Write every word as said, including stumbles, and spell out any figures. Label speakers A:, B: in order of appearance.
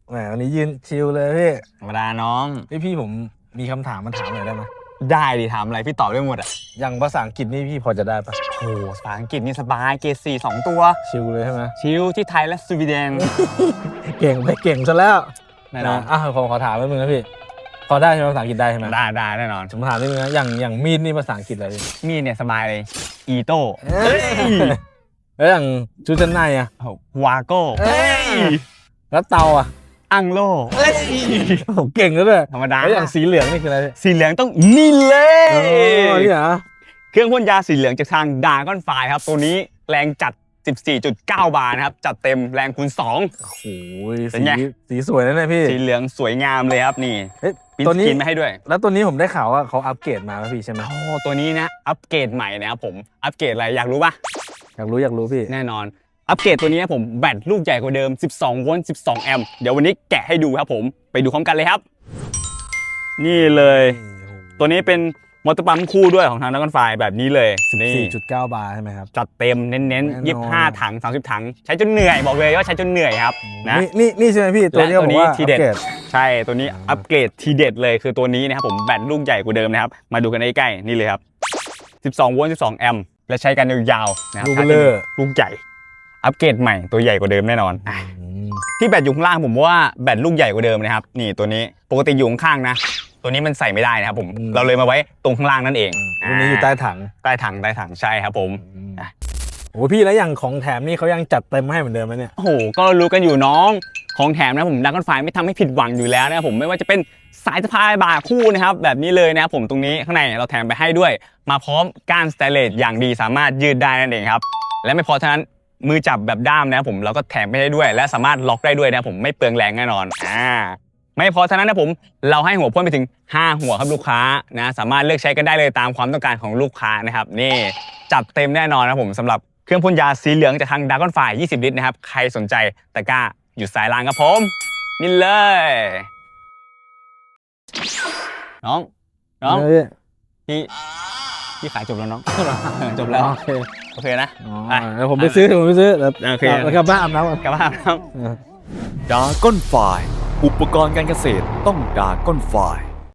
A: แหมวันนี้ยืนชิลเลยพี่
B: ธรรมดาน้อง
A: พี่พี่ผมมีคำถามมาถามหน่อยได้ไหม
B: ได้ดิถามอะไรพี่ตอบได้หมดอ่ะ
A: อย่างภาษาอังกฤษนี่พี่พอจะได้ปะ
B: โอ้ภาษาอังกฤษนี่สบายเกรดสี่สองตัว
A: ชิลเลยใช่ไหม
B: ชิลที่ไทยและสวีเดน
A: เก่งไปเก่งซะแล้ว
B: แน่นอน
A: อ่ะผมขอถามนิดนึงนะพี่พอได้ใช่ไหมภาษาอังกฤษได้ใช่ไหม
B: ได้ได้แน่นอน
A: ผมถามนิดนึงนะอย่างอย่างมีดนี่ภาษาอังกฤษอะไรพี่
B: มีดเนี่ยสบายเลยอีโต้
A: แล้วอย่างชุดชั้นในอะ
B: วาโก้
A: แล้วเตาอะ
B: อังโล
A: ผมเก่งแล้วด้วย
B: ธรรมดา
A: แล้วอย่างสีเหลืองนี่คืออะไร
B: สีเหลืองต้องนี่เลย
A: อ๋อนี่เหรอ
B: เครื่องพ่นยาสีเหลืองจากทางดากอนไฟครับตัวนี้แรงจัด สิบสี่จุดเก้า บาร์นะครับจัดเต็มแรงคูณสอง
A: โอ้โหสีสีสวยนะเนี่ยพี่
B: สีเหลืองสวยงามเลยครับนี่
A: ตัวนี้
B: กินไม่ให้ด้วย
A: แล้วตัวนี้ผมได้ข่าวว่าเขาอัปเกรดมาแล้วพี่ใช่ไหม
B: โอ้ตัวนี้นะอัปเกรดใหม่นะครับผมอัปเกรดอะไรอยากรู้ปะ
A: อยากรู้อยากรู้พี่
B: แน่นอนอัปเกรดตัวนี้นะผมแบตลูกใหญ่กว่าเดิมสิบสองโวลต์สิบสองแอมป์เดี๋ยววันนี้แกะให้ดูครับผมไปดูพร้อมกันเลยครับนี่เลยตัวนี้เป็นมอเตอร์ปั๊มคู่ด้วยของทางดากอนไฟแบบนี้เลย
A: สี่จุดเก้า บาร์ใช่ไหมครับ
B: จัดเต็มเน้นๆยี่สิบห้าถังสามสิบถังใช้จนเหนื่อยบอกเลยว่าใช้จนเหนื่อยครับนะ
A: นี่นี่ใช่ไหมพี่ตัวนี้ผมว่า
B: ทีเด็ดใช่ตัวนี้อัปเกรดทีเด็ดเลยคือตัวนี้นะครับผมแบตลูกใหญ่กว่าเดิมนะครับมาดูกันใกล้ๆนี่เลยครับสิบสองโวลต์สิบสองแอมป์และใช้กันยาวๆนะครับลูกใหญ่อัปเกรดใหม่ตัวใหญ่กว่าเดิมแน่นอนที่แบตอยู่ข้างล่างผมว่าแบตลูกใหญ่กว่าเดิมนะครับนี่ตัวนี้ปกติอยู่ข้างๆนะตัวนี้มันใส่ไม่ได้นะครับผมเราเลยมาไว้ตรงข้างล่างนั่นเอง
A: ตัวนี้อยู่ใต้ถัง
B: ใต้ถังใต้ถังใช่ครับผม
A: โอ้พี่แล้วอย่างของแถมนี่เขายังจัดเต็มให้เหมือนเดิมไหมเนี่ย
B: โอ้โหก็รู้กันอยู่น้องของแถมนะผมดากอนไฟไม่ทำให้ผิดหวังอยู่แล้วนะครับผมไม่ว่าจะเป็นสายสะพายบ่าคู่นะครับแบบนี้เลยนะครับผมตรงนี้ข้างในเราแถมไปให้ด้วยมาพร้อมก้านสเตนเลสอย่างดีสามารถยืดได้นั่นเองครับและไม่พอเท่านั้นมือจับแบบด้ามนะครับผมเราก็แถมไปได้ด้วยและสามารถล็อกได้ด้วยนะผมไม่เปลืองแรงแน่นอนอ่าไม่พอเท่านั้นนะผมเราให้หัวพ่นไปถึงห้าหัวครับลูกค้านะสามารถเลือกใช้กันได้เลยตามความต้องการของลูกค้านะครับนี่จัดเต็มแน่นอนนะผมสำหรับเครื่องพ่นยาสีเหลืองจากทางดากอนไฟยี่สิบลิตรนะครับใครสนใจตะกร้าอยู่สายล่างครับผมนี่เลยน้องน้องพี่พี่ขายจบแล้วน้องจบแล้วโอเคโอเคนะ
A: เดี๋ยวผมไปซื้อผมไปซื้อแล้ว
B: โอเค
A: แล้วกลับบ้านอาบน้ำ
B: กลับบ้านอาบน้ำ
C: ดากอนไฟอุปกรณ์การเกษตรต้องดากอนไฟ